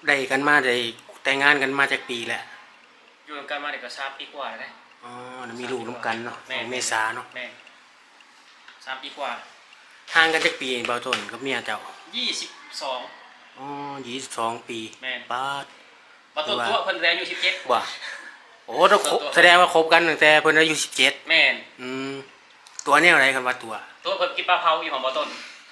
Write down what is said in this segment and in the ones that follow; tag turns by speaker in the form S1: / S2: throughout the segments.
S1: ได้กันมาได้แต่งงานกันมาจากปีแหละ
S2: อยู่กันมาเด็กก็3 ปีกว่าเลย
S1: อ๋อมีลูกน้ำกันเนาะเมษาเนาะ
S2: แม่3 ปีกว่า
S1: ห่างกันจากปีเบาต้นกับเมียเจ้า
S2: 22
S1: อ๋อ22 ปีป้า
S2: บ่ต้นตัวเพิ่นอายุ17
S1: ว่ะโอ้ต้องแสดงว่าคบกันตั้งแต่เพิ่นอายุ17
S2: แม่น
S1: ตัวนี้อะไรกันว่าตัว
S2: เพิ่นกินปลาเผาอยู่ของบ่ต้น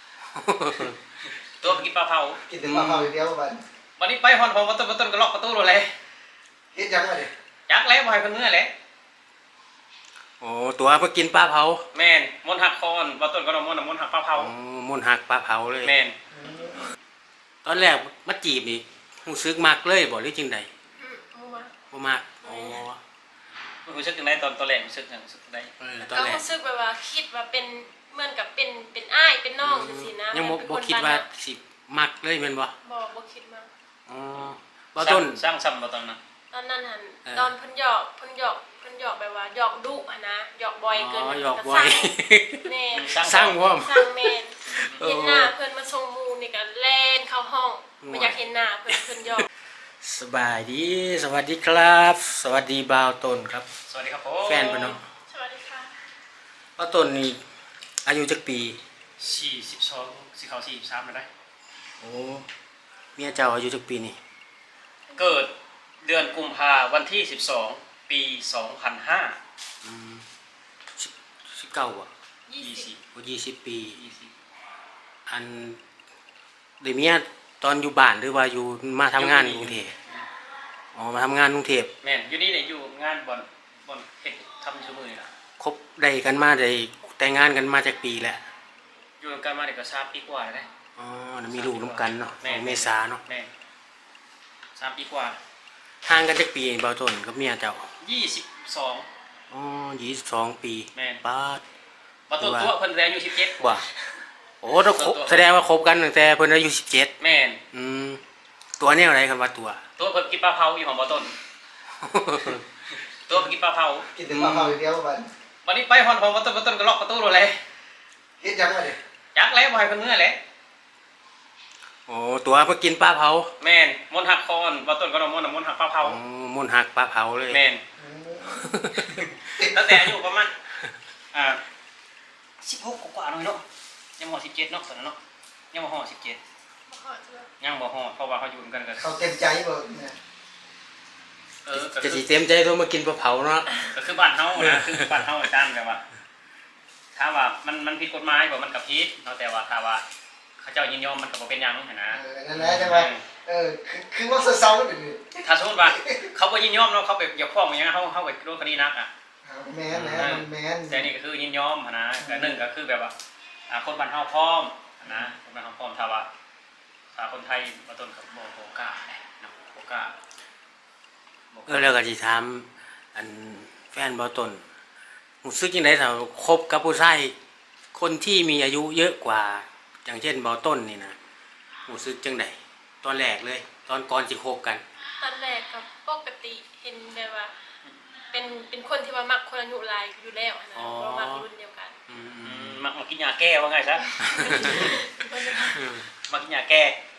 S2: ตัวกินปลาเผา
S3: กินแต่ปลาเผาอย่างเดียว
S2: วันนี้ไปฮอนของบ่ต้นก็ล็อกประตูเลย
S3: เฮ็ดจังว่าดิ
S2: จักแล้วบ่ให้เพิ่นเมื่อแหละ
S1: โอ้ตัวเพิ่นกินปลาเผา
S2: แม่นมนต์หักคอนบ่ต้นก็มนต์หักปลาเผา
S1: มนต์หักปลาเผาเลย
S2: แม่น
S1: ตอนแรกมาจีบนี่รู้สึกมักเลยบ่หรือจังได๋บ่มักอ๋อ
S2: รู้สึกจังได๋ตอนแรกรู้สึกจังสึกได๋
S4: ก็รู้สึกแบบว่าคิดว่าเป็นเหมือนกับเป็นอ้ายเป็นน้องจังซี่นะ
S1: ยังบ่คิดว่าสิมักเลยแม่นบ่
S4: บ่คิดมา
S1: อ๋อบ่ต้น
S2: สร้างซ้ำบ่ตอนนั้น
S4: ตอนนั้นหั่นตอนเพิ่นหยอกแบบว่าหยอกดุหั่นนะหยอกบ่อยเกิน
S1: หยอกบ่อย
S4: แม่
S1: สร้างพร้อม
S4: สร้างแม่นเห็นหน้าเพิ่นมาส่งหมู่นี่ก็แล่นเข้าห้องบ่อยากเห็นหน้าเพิ่นหยอก
S1: สบายดีสวัสดีครับสวัสดีบ่าวต้นครับ
S2: สวัสดีครับผม
S1: แฟนเพิ่นเนาะ
S4: สวัสดีค่ะ
S1: บ่าวต้นนี่อายุจักปี
S2: 42สิเข้า43แล้วได้
S1: โอ้เมียเจ้าอายุจักปีนี่
S2: เกิดเดือนกุมภาพันธ์วันที่12ปี2005
S1: 19อ่ะ20ปีอันได้เมียตอนอยู่บ้านหรือว่าอยู่มาทำงานกรุงเทพอ๋อมาทำงานกรุงเทพ
S2: แม่นอยู่นี่เนี่ยอยู่งานบ่อนเฮ็ดทำชั่วโมงนี่ล่ะ
S1: คบได้กันมาได้แต่งงานกันมาจากปีแหละ
S2: อยู่กันมาเด็กก็3 ปีกว่าเลย
S1: อ๋อมีลูกน้ำกันเนาะเมษาเนาะ
S2: แม่3 ปีกว่า
S1: ห่างกันจากปีเบาต้นกับเมียเจ้า
S2: 22
S1: อ๋อ22 ปีป้า
S2: บ่ต้นตัวเพิ่นอายุ17
S1: ว่ะโอ้ต้องแสดงว่าคบกันตั้งแต่เพิ่นอายุ17
S2: แม่น
S1: ตัวนี้อะไรกันว่าตัว
S2: เพิ่นกินปลาเผาอยู่ของบ่ต้นตัวเพิ่นกินปลาเผา
S3: กินแต่ปลาเผาอย่างเดียว
S2: วันนี้ไปฮอนของบ่ต้นก็ล็อกประตูเลย
S3: เฮ็ดจังว่าดิ
S2: จักแล้วบ่ให้เพิ่นเมื่อแหละ
S1: โอ้ตัวเพิ่นกินปลาเผา
S2: แม่นมนต์หักคอนบ่ต้นก็มนต์หักปลาเผาม
S1: นต์หักปลาเผาเลย
S2: แม่นตั้งแต่อายุประมาณ16กว่าๆหน่อยเนาะยังบ่17เนาะตอนนั้นเนาะยังบ่ฮอด17ยังบ่ฮอดเพราะว่าเขาอยู่กัน
S3: เขาเต็มใจบ่เนี่ย
S1: จะสิเต็มใจโทรมากินปลาเผาเนาะ
S2: ก็คือบ้านเฮานะคือบ้านเฮาอาจารย์แบบว่าถ้าว่ามันผิดกฎหมายบ่มันก็ผิดเนาะแต่ว่าถ้าว่าเขาเจ้ายินยอมมันก็บ่เป็นหยังหั่นนะ
S3: นั่นแหละใช่มั้ยคือว่าเซาๆเป็น
S2: ถ้าสมมุติว่าเขาบ่ยินยอมเนาะเขาไปอย่าฟ้องอย่างเฮาไปโดนคดีหนักอ่ะ
S3: แม่น
S2: แต่นี่ก็คือยินยอมหั่นนะก็1ก็คือแบบว่าคนบ้านเฮาพร้อมนะคนบ้านเฮาพร้อมถ้าว่าคนไทยบ่ต้นก็บ่กล้าเนาะบ่กล้า
S1: แล้วก็สิถามอันแฟนบ่ต้นรู้สึกจังได๋ถ้าคบกับผู้ชายคนที่มีอายุเยอะกว่าอย่างเช่นบ่ต้นนี่นะรู้สึกจังได๋ตอนแรกเลยตอนก่อนสิคบกัน
S4: ตอนแรกก็ปกติเห็นแบบว่าเป็นคนที่ว่ามักคนอายุหลายอยู่แล้วนะบ่มักรุ่นเดียวกัน
S2: มักกินยาแก้ว่าไงซะมักกินยาแก้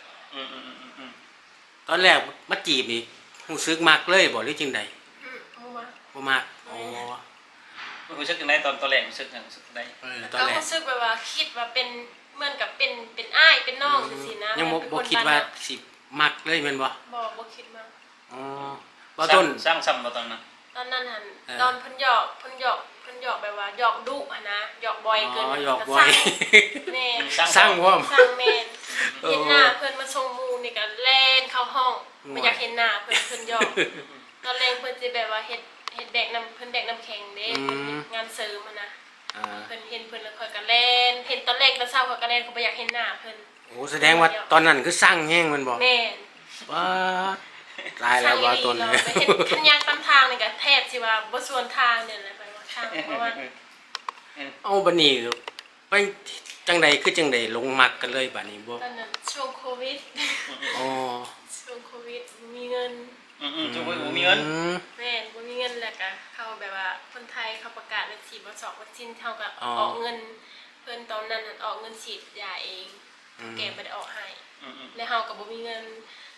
S1: ตอนแรกมาจีบนี่รู้สึกมักเลยบ่หรือจังได๋บ่มักอ๋อ
S2: รู้สึกจังได๋ตอนแรกรู้สึกจังสึกได๋
S4: ก็รู้สึกแบบว่าคิดว่าเป็นเหมือนกับเป็นอ้ายเป็นน้องจังซี่นะ
S1: ยังบ่คิดว่าสิมักเลยแม่นบ่
S4: บ่คิดมา
S1: อ๋อบ่ต้น
S2: สร้างซ้ำบ่ตอนนั้น
S4: ตอนนั้นหั่นตอนเพิ่นหยอกแบบว่าหยอกดุหั่นนะหยอกบ่อยเกิน
S1: หยอกบ่อย
S4: แม่
S1: สร้างพร้อม
S4: สร้างแม่นเห็นหน้าเพิ่นมาส่งหมู่นี่ก็แล่นเข้าห้องบ่อยากเห็นหน้าเพิ่นหยอกตอนแรกเพิ่นสิแบบว่าเฮ็ดแดกน้ำเพิ่นแดกน้ำแข็งเด้เพิ่นงานเสริมหั่นนะเพิ่นเห็นเพิ่นแล้วค่อยก็แล่นเห็นตอนแรกตอนเช้าค่อยก็แล่นก็บ่อยากเห็นหน้าเพิ่น
S1: โอ้แสดงว่าตอนนั้นคือสร้างแฮงมันบ่
S4: แม่น
S1: ว้าตายแล้วว่าต้นเลย
S4: เห็นคันยางตามทางนี่ก็แทบสิว่าบ่สวนทางเนี่ยแหละไปว่าทางเพราะว่า
S1: เอาบัดนี้ไปจังใดคือจังใดลงมักกันเลยบัดนี้บ่
S4: ตอนนั้นช่วงโควิด
S1: อ๋อ
S4: ช่วงโควิดบ่มีเงิน
S2: ช่วงโควิดบ่มีเงิน
S4: แม่นบ่มีเงินแล้วก็เข้าแบบว่าคนไทยเขาประกาศว่าฉีดวัคซีนเท่ากับออกเงินเพิ่นตอนนั้นออกเงินฉีดยาเองแกบ่ได้ออกให้แล้วเฮาก็บ่มีเงิน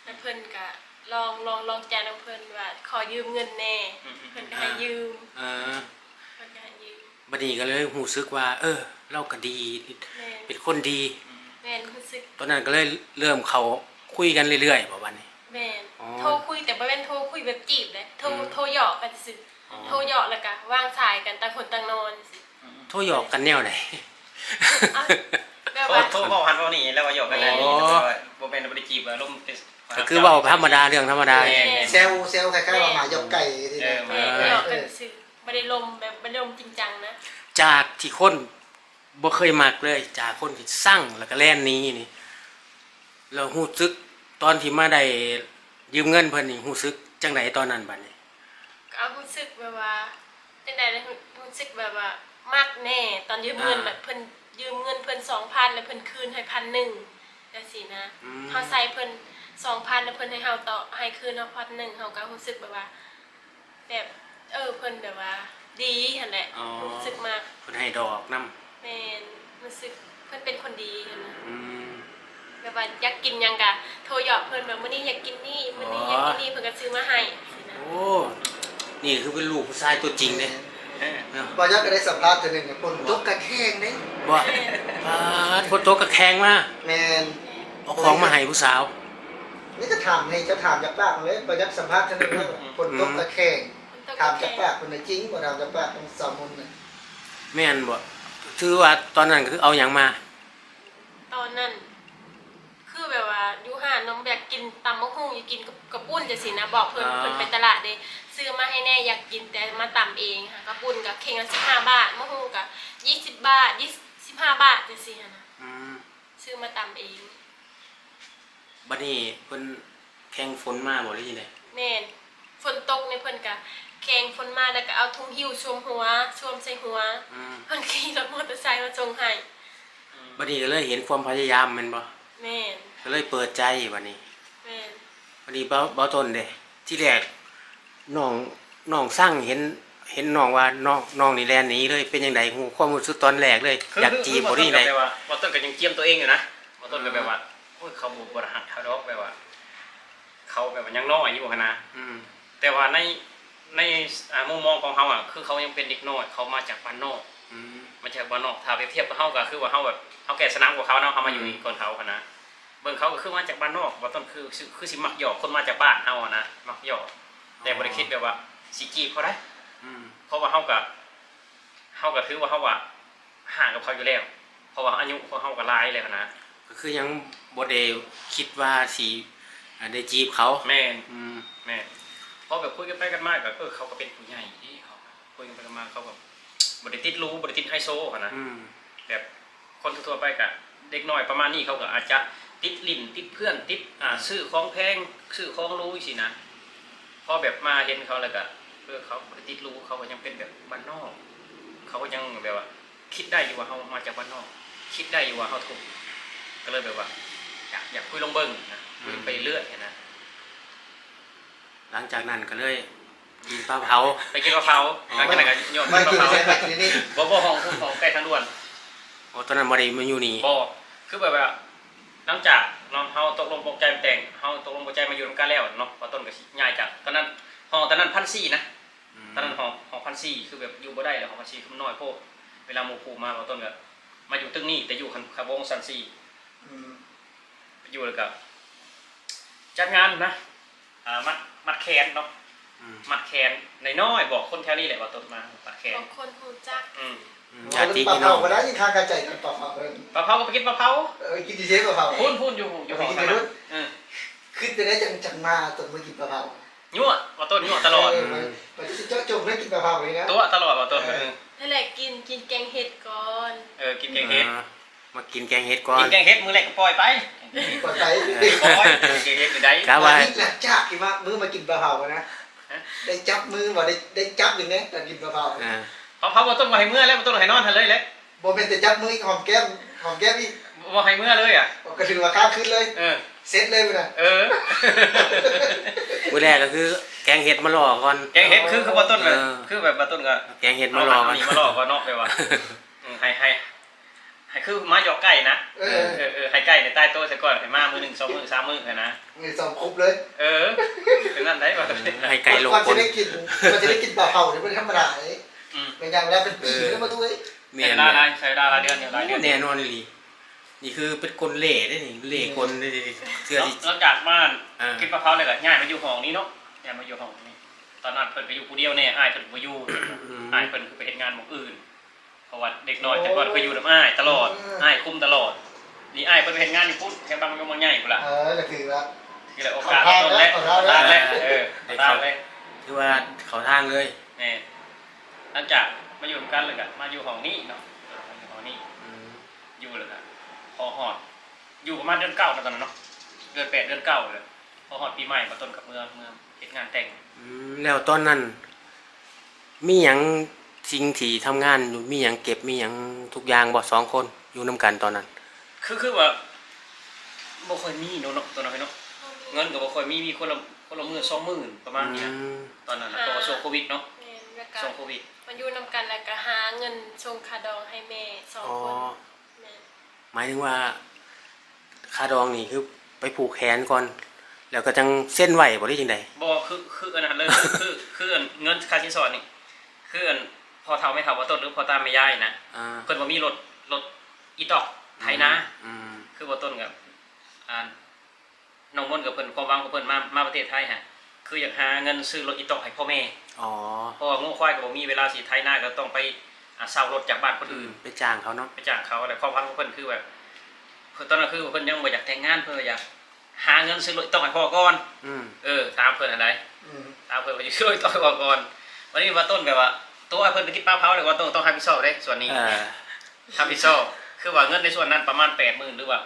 S4: แล้วเพิ่นก็ลองใจน้ำเพิ่นว่าขอยืมเงินแน่เพิ่นก็ให้ยืม
S1: เออ
S4: เพิ่นก็ให้ยืม
S1: บัดนี้ก็เลยรู้สึกว่า เราก็ดี
S4: แม่น
S1: เป็นคนดี
S4: แม่นรู้สึก
S1: ตอนนั้นก็เลยเริ่มเขาคุยกันเรื่อยๆประมาณนี้
S4: แม่น
S1: อ๋อ
S4: โทรคุยแต่บ่แม่นโทรคุยแบบจีบเลยโทรหยอกกันซื่อ
S1: อ๋อ
S4: โทรหยอกแล้วก็วางสายกันต่างคนต่างนอนซื่อ
S1: โทรหยอกกันแนวไหน
S4: อ่ะแบบ
S2: โท
S4: ว่า
S2: ษเว้าหันเว้านี่แล้วก็หยอกกันได้
S1: อ๋อ
S2: บ่แม่นบ่ได้จีบอารมณ์
S1: ก็คือเว่าธรรมดาเรื่องธรรมดา
S3: เซลคล้ายๆว่าหมายกไก่ที่นี่
S4: แม่หยอกกันซื่อบ่ได้ลมแบบบ่ได้ลมจริงจังนะ
S1: จากที่คนบ่เคยมักเลย จากคนที่สร้างแล้วก็แล่นหนี้นี่เรารู้สึกตอนที่มาได้ยืมเงินเพิ่นนี่รู้สึกจังไดตอนนั้นบัดนี้
S4: ก็เอารู้สึกแบบว่าจังได๋รู้สึกแบบว่ามักแน่ตอนยืมเงินแบบเพิ่นยืมเงินเพิ่น 2,000 แล้วเพิ่นคืนให้ 1,000 จังซี่นะเฮาใส่เพิ่น 2,000 แล้วเพิ่นให้เฮาต่อให้คืนเฮา1,000เฮาก็รู้สึกแบบว่าแบบเพิ่นแบบว่าดีหั่นแหละ
S1: อ๋อ
S4: รู้สึกมาก
S1: เพิ่นให้ดอกนำ
S4: แม่นรู้สึกเพิ่นเป็นคนดีหั่นนะ
S1: อืม
S4: แบบว่าอยากกินหยังก็โทรหยอกเพิ่นแบบมื้อนี้อยากกินนี่มื้อนี้อยากกินนี่เพิ่นก็ซื้อมาให้สินะ
S1: โอ้นี่คือเป็นลูกผู้ชายตัวจริงเด้
S2: เออ
S1: เนาะ
S3: บอยก็ได้สัมภาษณ์ตัวหนึ่งเนี่ยคนตกกระแข้งเนี่ย
S1: บ่ปาดฝนตกก็แข็งมา
S3: แมน
S1: เอาของมาให้ผู้สาว
S3: นี่จะถามให้จะถามจากปากเลยบอยสัมภาษณ์ตัวหนึ่งว่าคนตกกระแข้งถามจากปากคนไหนจริงบ่ถามจากปากคนสามมุนเนี่ย
S1: แม่นบ่ถือว่าตอนนั้นก็คือเอาหยังมา
S4: ตอนนั้นคือแบบว่าอยู่ห้านน้องอยากกินตำมะฮุ่งอยากกินกับปุ้นจังซี่นะบอกเพิ่นเพิ่นไปตลาดเด้ซื้อมาให้แน่อยากกินแต่มาตำเองค่ะกับปุ้นก็เข่งละ15 บาทมะฮุ่งก็20 บาท25 บาทจังซี่นะ
S1: อืม
S4: ซื้อมาตำเอง
S1: บัดนี้เพิ่นแข่งฝนมาบ่หรือจังได๋
S4: แม่นฝนตกในเพิ่นก็แข่งฝนมาแล้วก็เอาถุงหิ้วชวมหัวชวมใส่หัว
S1: อืม
S4: เพิ่นขี่รถมอเตอร์ไซค์มาส่งให้
S1: บัดนี้ก็เลยเห็นความพยายามแม่นบ่
S4: แม่น
S1: ก็เลยเปิดใจบัดนี้
S4: แม่น
S1: บัดนี้เบาต้นเด้ที่แรกน้องสร้างเห็นน้องว่าน้องนี่แล่นหนีเลยเป็นจังไดฮู้ความรู้สึกตอนแรกเลยอยากจีบบ่นี่
S2: ได้
S1: ได้
S2: ว่าต้นก็ยังเจียมตัวเองอยู่นะว่าต้นก็แบบว่าโอ้ยเขาบ่ได้หักเขาดอกแบบว่า เขาแบบว่ายังน้อยอยู่หั่นนะ
S1: อืม
S2: แต่ว่าในมุมมองของเขาอ่ะคือเขายังเป็นเด็กน้อยเขามาจากบ้านนอก
S1: อืม
S2: มาจากบ้านนอกถ้าไปเทียบกับเขาก็คือว่าเขาแบบเขาแก่สนามกว่าเขาเนาะเขามาอยู่นี่ก่อนเขาค่ะนะเบิ่งเขาก็คือมาจากบ้านนอกว่าต้นคือสิมักหยอกคนมาจากบ้านเฮาอะนะมักหยอกแต่บ่ได้คิดแบบว่าสิจีบเขาได้
S1: อืม
S2: เพราะว่าเขาก็ถือว่าเขาว่าห่างกับเขาอยู่แล้วเพราะว่าอายุของเขาก็หลายแล้วนะ
S1: ก็คือยังบ่ได้คิดว่าสิได้จีบเขา
S2: แม่น
S1: อืม
S2: แม่นพอแบบคุยกันไปกันมาก็เขาก็เป็นผู้ใหญ่ที่เขาคุยกันไปกันมาเขาแบบบ่ได้ติดรู้บ่ได้ติดไฮโซค่ะนะ
S1: อืม
S2: แบบคนทั่วๆไปกับเด็กน้อยประมาณนี้เขาก็อาจจะติดลิ้นติดเพื่อนติดซื้อของแพงซื้อของรู้สินะพอแบบมาเห็นเขาแล้วก็เขาบ่ได้ติดรู้เขาก็ยังเป็นแบบบ้านนอกเขาก็ยังแบบว่าคิดได้อยู่ว่าเขามาจากบ้านนอก คิดได้อยู่ว่าเขาถูกก็เลยแบบว่าอยากคุยลงเบิ้งนะคุยไปเรื่อยนะ
S1: หลังจากนั้นก็เลยกินปลาเผา
S2: ไปกินมะพร้าวหลังจากนั้นก็โยน
S3: ไม่
S2: มะ
S3: กิน
S2: พร้าว
S3: ใช่ไหมกินนี่
S2: บ่ของใกล้ทางด่วน
S1: โอ้ตอนนั้นบ่ได้มาอยู่นี่
S2: บ่คือแบบว่าหลังจากเฮาตกลงปลงใจแต่งเฮาตกลงปลงใจมาอยู่นำกันแล้วเนาะว่าต้นก็สิย้ายจากตอนนั้นห้องตอนนั้น1,400นะตอนนั้นห้อง1,400คือแบบอยู่บ่ได้แล้วห้อง1,400คือมันน้อยโพดเวลาหมู่ผู้มาว่าต้นก็มาอยู่ตึกนี้แต่อยู่คันวงซันซี่อยู่แล้วก็จัดงานนะมัดแขนเนาะ
S1: อืม
S2: มัดแขนน้อยๆบอกคนแถวนี้แหละว่าต้นมามัดแขน
S4: บางคนฮู้จัก
S1: ญาติ
S3: ปลา
S1: พี่น้
S3: เผา
S1: อง
S3: ก็ได้ยินทางกระจายกันปลาเผาเลย
S2: ปลาเผาก็ไปกินปลาเผา
S3: กินดีเจปลาเผา
S2: พูนอยู่ห้องนั้น
S3: ขึ้นไปได้จังมาตอนเมื่อกินปลาเผา
S2: ยั่วว่าต้นยั่วตลอด
S3: มันจะเจาะจงได้กินปลาเผาเลยนะ
S2: ตัวตลอดว่าต้น
S4: นั่นแหละกินแกงเห็ดก่อน
S2: กินแกงเห็ด
S1: มากินแกงเห็ดก่อ
S2: กิ
S1: น
S2: นแกงเห็ดมือแรกก็ปล่อยไป
S3: ปลาไก่
S2: ปล่อยแกงเห็ดอยู่ได้
S1: กะ
S3: ว่า
S1: ว่า
S3: นี่แหละจ้ากี่มามือมากินปลาเผานะได้จับมือว่าได้จับหนึ่งนะแต่กินปลาเผา
S1: อ่า
S2: เผาว่าต้นมาให้เมื่อแล้วต้นให้นอนทันเลยแหละ
S3: โมเป็นแต่จับมือหอมแก้มอีก
S2: ว่าให้เมื่อเลยอ่ะ
S3: ก็ถือว่าข้ามขึ้นเลย
S2: เออ
S3: เซ็ตเลยไปนะ
S1: มื้อแรกก็คือแกงเห็ดมาล่อก่อน
S2: แกงเห็ดคือว่าต้นคือแบบว่าต้นก็
S1: แกงเห็ดมาล่อก่อน
S2: มาล่อก็นอกไปว่าให้ให้คือมาหยอกไก่นะ
S3: เออ
S2: ให้ไก่ในใต้โต๊ะซะก่อนให้มามื้อ1 2มื้อ3มื้อนะ
S3: นี่สอบครบเลย
S2: เป็นนั่นได้บ่
S1: ให้ไก่ลง
S3: ก่อน
S1: ค
S3: จะ
S1: น
S3: ได้กินมันจะได้กินเปล่าๆเดี๋ยวเป็นธรรมดาเลย
S2: อืม
S3: เป็นอย่างแล้วเป็นปีก็มาด้วย
S1: เมี
S2: ใช้
S1: ย
S2: เวลาหลายใช้เวลาหลายเดือนอยู่หลายเดือน
S1: แน่นอนเลยนี่คือเป็นคนเล่ได้นี่เล่คนได้เสื้อที่
S2: หลังจากบ้าน
S1: อ่า
S2: กินมะพร้าวเลยก็ย้ายมาอยู่ห้องนี้เนาะย้ายมาอยู่ห้องนี้ตอนนั้นเพิ่นก็อยู่ผู้เดียวแน่อ้ายเพิ่นบ่อยู่อ้ายเพิ่นคือไปเฮ็ดงานหม้องอื่นเพราะว่าเด็กน้อยแต่ก่อนก็อยู่นำอ้ายตลอดอ้ายคุมตลอดนี่อ้ายเพิ่นไปเฮ็ดงานอยู่พุ่นแค่บางยงบางใหญ่พุ่นล่ะ
S3: ก็คือว่า
S2: คือแหละโอกาสต้นและทางและทางและ
S1: คือว่าเขาทางเลย
S2: แน่หลังจากมาอยู่กันเลยก็มาอยู่ห้องนี้เนาะมาอยู่ห้องนี้อยู่เลยก็พอฮอดอยู่ประมาณเดือน9นั่นตอนนั้นเนาะเดือน8เดือน9เลยพอฮอดปีใหม่มาต้นกับเมืองเฮ็ดงานแต่ง
S1: แล้วตอนนั้น มีหยังสิ่งที่ทำงานอยู่มีหยังเก็บมีหยังทุกอย่างบ่สองคนอยู่นํกันตอนนั้น
S2: คือว่าบ่ค่อยมีเนาะตอนนั้นเนาะเงินก็บ่ค่อยมีคนละมื้อ20,000ประมาณนี้นะตอนนั้นเพราะว่าช่วงโควิดเนาะ
S4: แม่นแล้วก็
S2: ช่วงโควิด
S4: มันอยู่นำกันแล้วก็หาเงินส่งค่าดองให้แม่2
S1: อ๋อ
S4: คนแม่น
S1: หมายถึงว่าค่าดองนี่คือไปผูกแขนก่อน แล้วก็จังเส้นไหวบ่ได้จังได๋
S2: บ่คืออันนั้นเลยคือเงินค่าสินสอดนี่คืออันพอเฒ่าไม่เฒ่าบ่ต้นหรือพอตามไม่ย้ายนะ
S1: อ่า
S2: เพิ่นบ่มีรถอีตอกไถนา คือบ่ต้นกับน้องมนต์กับเพิ่นความหวังของเพิ่นมาประเทศไทยฮะคืออยากหาเงินซื้อรถอีตอกให้พ่อแม่
S1: อ๋อ
S2: เพราะว่างูควายก็บ่มีเวลาสิไถนาก็ต้องไปเช่ารถจากบ้านคนอื่น
S1: ไปจ้างเขาเนาะ
S2: ไปจ้างเขาอะไรความหวังของเพิ่นคือแบบเพิ่นตอนนั้นคือเพิ่นยังบ่อยากแต่งงานเพิ่นอยากหาเงินซื้อรถอีตอกให้พ่อก่อนถามเพิ่นอันใดถามเพิ่นว่าสิซื้อรถอีตอกให้พ่อก่อนวันนี้ว่าต้นแบบว่าตัวเพิ่นไปกินปลาเผาเลยว่าต้องรับผิดชอบเด้ส่วนนี้รับผิดชอบคือว่าเงินในส่วนนั้นประมาณ 80,000 หรือว่า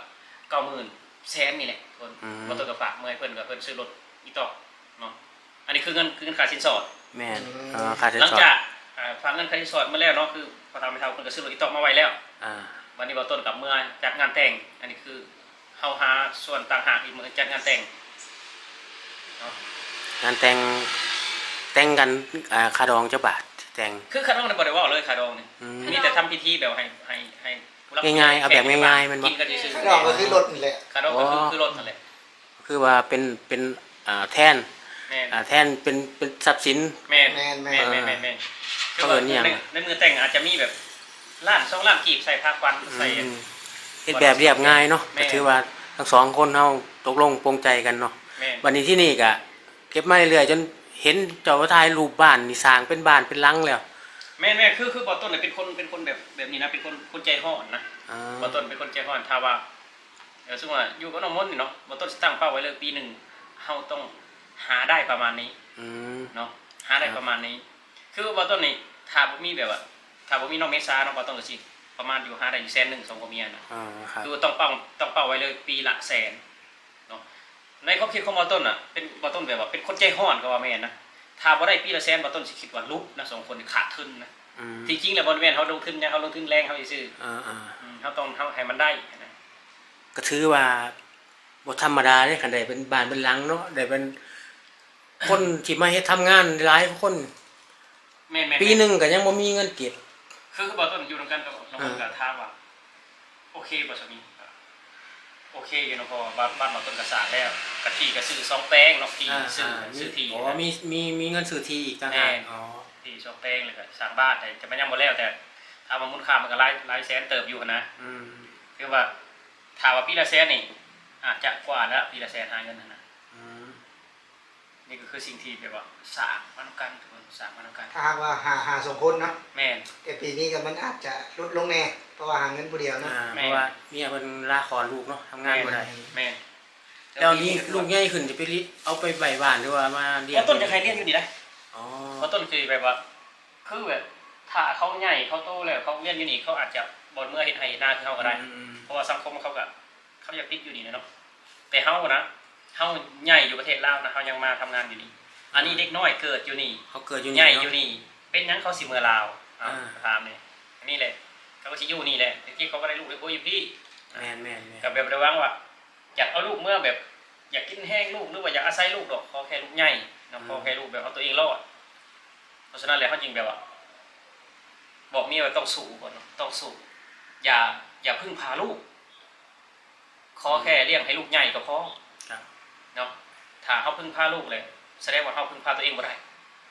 S2: 90,000 แสนนี่แหละคนบ่ต้นก็ฝากเมื่อให้เพิ่นก็เพิ่นซื้อรถอีตอกเนาะอันนี้คือเงินค่าสินสอด
S1: แม่นค่าใช้
S2: หลัง
S1: จ่าย
S2: จากฝากเงินค่าสินสอดมาแล้วเนาะคือพอทำไปเท่าเพิ่นก็ซื้อรถอีตอกมาไว้แล้ว
S1: อ่า
S2: วันนี้บ่ต้นกับเมื่อจัดงานแต่ง อันนี้คือเฮาหาส่วนต่างหากอีกมื้อจัดงานแต่งเนาะ
S1: งานแต่งกันค่าดองเจ้าบาทแต่ง
S2: คือค่าดองเนี่ยบ่ได้เว้าเลยค่าดองนี่มีแต่ทำพิธีแบบให้ผู้รับ
S1: ง่ายๆเอาแบบง่ายๆมันบ่
S2: กินกันซื่อ
S3: ข้างนอกก็คือรถนี่แหละ
S2: ค่าดองก็คือรถนั่นแหละ
S1: คือว่าเป็นแทน
S2: แม่น
S1: แทนเป็นทรัพย์สิน
S2: แม่น
S3: แม่น
S2: แม่นคือ
S1: เอ
S2: ว่า
S1: อเนี่ย
S2: ในมือแต่งอาจจะมีแบบล้าน2ล้านกีบใส่ผ้าควันใส่
S1: เฮ็ดแบบเรียบง่ายเนาะ
S2: แม่
S1: ก็ถือว่าทั้งสองคนเฮาตกลงปรงใจกันเนาะ
S2: แม่น
S1: วันนี้ที่นี่ก็เก็บมาเรื่อยๆจนเห็นเจ้าถ่ายรูปบ้านนี่สร้างเป็นบ้านเป็นหลังแล้ว
S2: แม่คือบ่ต้นเนี่ยเป็นคนแบบนี้นะเป็นคนใจร้อนนะ
S1: อ่า
S2: บ่ต้นเป็นคนใจร้อนถ้าว่าสมมุติว่าอยู่กับน้องมนต์นี่เนาะบ่ต้นสิตั้งเป้าไว้เลยปีหนึงเฮาต้องหาได้ประมาณนี้
S1: อืม
S2: เนาะหาได้ประมาณนี้ คือบ่ต้นนี่ถ้าบ่มีแบบว่าถ้าบ่มีน้องเมษาเนาะบ่ต้นก็สิประมาณอยู่หาได้อยู่100,000 2ผัวเมียนะ
S1: ครับ
S2: คือต้องเป้าไว้เลยปีละ100,000เนาะในความคิดของบ่ต้นน่ะเป็นบ่ต้นแบบว่าเป็นคนใจร้อนก็ว่าแม่นนะถ้าบ่ได้ปีละ100,000บ่ต้นสิคิดว่าลุกนะสองคนนี่ขาดทุนนะ ที่จริงแล้วบริเวณเขาลงทุนเนี่ยเขาลงทุนแรงเขาซื่อ เขาต้องเขาให้มันได้นะ
S1: ก็ถือว่าบ่ธรรมดาเด้คันใดเป็นบ้านเป็นหลังเนาะได้เป็นคนที่มาเฮ็ดทำงานหลายคน
S2: แม่น
S1: ปีหนึงก็ยังบ่มีเงินเก็บ
S2: คือบอกต้นอยู่ตรงกันกับน้องคนกับท่าว่าโอเคป่ะสามีโอเคอยู่นะพอบ้านเราต้นกระสาแล้วกะทิกระซื้อซองแป้งเนาะที่ซื้อที่
S1: อ๋อมีเงินซื้อที่อีกต่างหากอ๋อ
S2: ที่ซองแป้งเลยก็สร้างบ้านแต่จะไม่ยังหมดแล้วแต่ถ้ามันมูลค่ามันก็หลายแสนเติบอยู่นะคือว่าถามว่าปีละแสนนี่อาจจะกว่าแล้วปีละแสนหาเงินนะนี่ก็คือสิ่งที่แบบว่าสร้างมนุษย์กันสร้างมนุษย์กัน
S3: ถ้าหากว่าหาสองคนเนาะ
S2: แม่น
S3: แต่ปีนี้ก็มันอาจจะลดลงแน่เพราะว่าหาเงินผู้เดียวเนาะ
S1: เพราะว่าเมียเพิ่นลาคลอดลูกเนาะทำงานบ่ได้
S2: แม่น
S1: แล้วนี้ลูกใหญ่ขึ้นจะไปเอาไปไว้บ้านหรือว่ามาเลี้ยง
S2: ว่าต้นจะใครเลี้ยงอยู่นี่นะ
S1: อ๋อ
S2: ว่าต้นคือแบบว่าคือแบบถ้าเขาใหญ่เขาโตแล้วเขาเลี้ยงอยู่นี่เขาอาจจะบ่เมื่อเฮ็ดให้หน้าคือเขาก็ได้เพราะว่าสังคมเขาก็เขาอยากติดอยู่นี่เนาะแต่เฮานะเฮาใหญ่อยู่ประเทศลาวนะเฮายังมาทำงานอยู่นี่อันนี้เด็กน้อยเกิดอยู่นี่
S1: เขาเกิดอยู่
S2: ใหญ่
S1: นี่
S2: อยู่นี่เป็นหยังเขาสิเมื่อลาวถามนี่อันนี้แหละเขาก็สิอยู่นี่แหละที่เขาก็ได้ลูกได้โอ้ยอยู่พี่
S1: แม่น
S2: กับแบบระวังว่าอยากเอาลูกเมื่อแบบอยากกินแห้งลูกหรือว่าอยากอาศัยลูกดอกขอแค่ลูกใหญ่นะขอแค่ลูกแบบเอาตัวเองรอดเพราะฉะนั้นแล้วเขาจริงแบบว่าบอกเมียว่าต้องสู้ก่อนต้องสู้อย่าอย่าพึ่งพาลูกขอแค่เลี้ยงให้ลูกใหญ่ก็พอ
S1: ครับ
S2: เนาะถ้าเขาพึ่งพาลูกเลยแสดงว่าเขาพึ่งพาตัวเองบ่ได้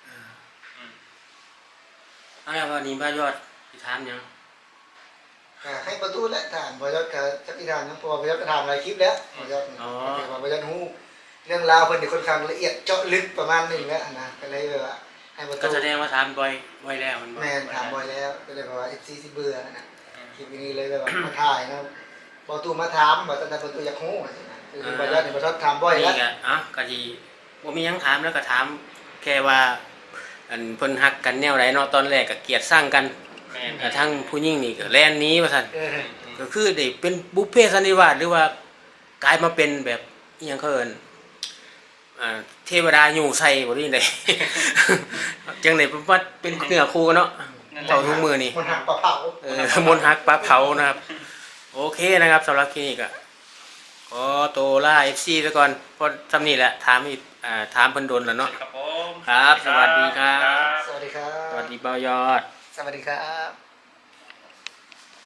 S1: เอาแล้ววันนี้บ้ายอดสิถามหยัง
S3: ให้ประตูและฐานบอยศกับจักรีทานนะเพราะว่าบอยศก็ทำหลายคลิปแล้วบอยศเนี่ยบอยศฮู้เรื่องราวเพิ่นนี่ค่อนข้างละเอียดเจาะลึกประมาณนึงแล้วนะก็เลยแบบว่าให้ประตู
S1: ก็แสดงว่าถามบ่อยแล้วมันบ่
S3: แม่นถามบ่อยแล้วก็เลยแบบว่า FC สิเบื่อนะคลิปนี้เลยแบบว่ามาถ่ายนะประตูมาถามว่าตอนนั้นประตูอยากฮู้ว่าจังได๋คือบอยศนี่บอยศถามบ่อยแล้ว
S1: นี่ก็ก็สิบ่มีหยังถามแล้วก็ถามแค่ว่าอันเพิ่นฮักกันแนวใดเนาะตอนแรกก็เกลียดสร้างกัน
S2: แม่น
S1: แต่ทั้งผู้หญิงนี่ก็แล่นหนี้ว่าซั่น
S3: เออ
S1: ก็คือได้เป็นบุพเพสันนิวาสหรือว่ากลายมาเป็นแบบอิหยังเขาเอิ้นเทวดาอยู่ใส่บ่ได้ได จังได๋ว่าเป็นเนื้อคู่กันเนาะเจ้าทุกมือนี่
S3: มันหักปลาเผา
S1: มนต์ฮักปลาเผานะครับ โอเคนะครับสำหรับคลินิกอะขอตัวล่า FC ซะก่อนเพราะทำนี่แหละถามอีกถามเพิ่นโดนแล้วเนาะ
S2: ครับผม
S1: ครับสวัสดีครับ
S3: สวัสดีครับ
S1: สวัสดีเบายอด
S3: สวัสดีครับ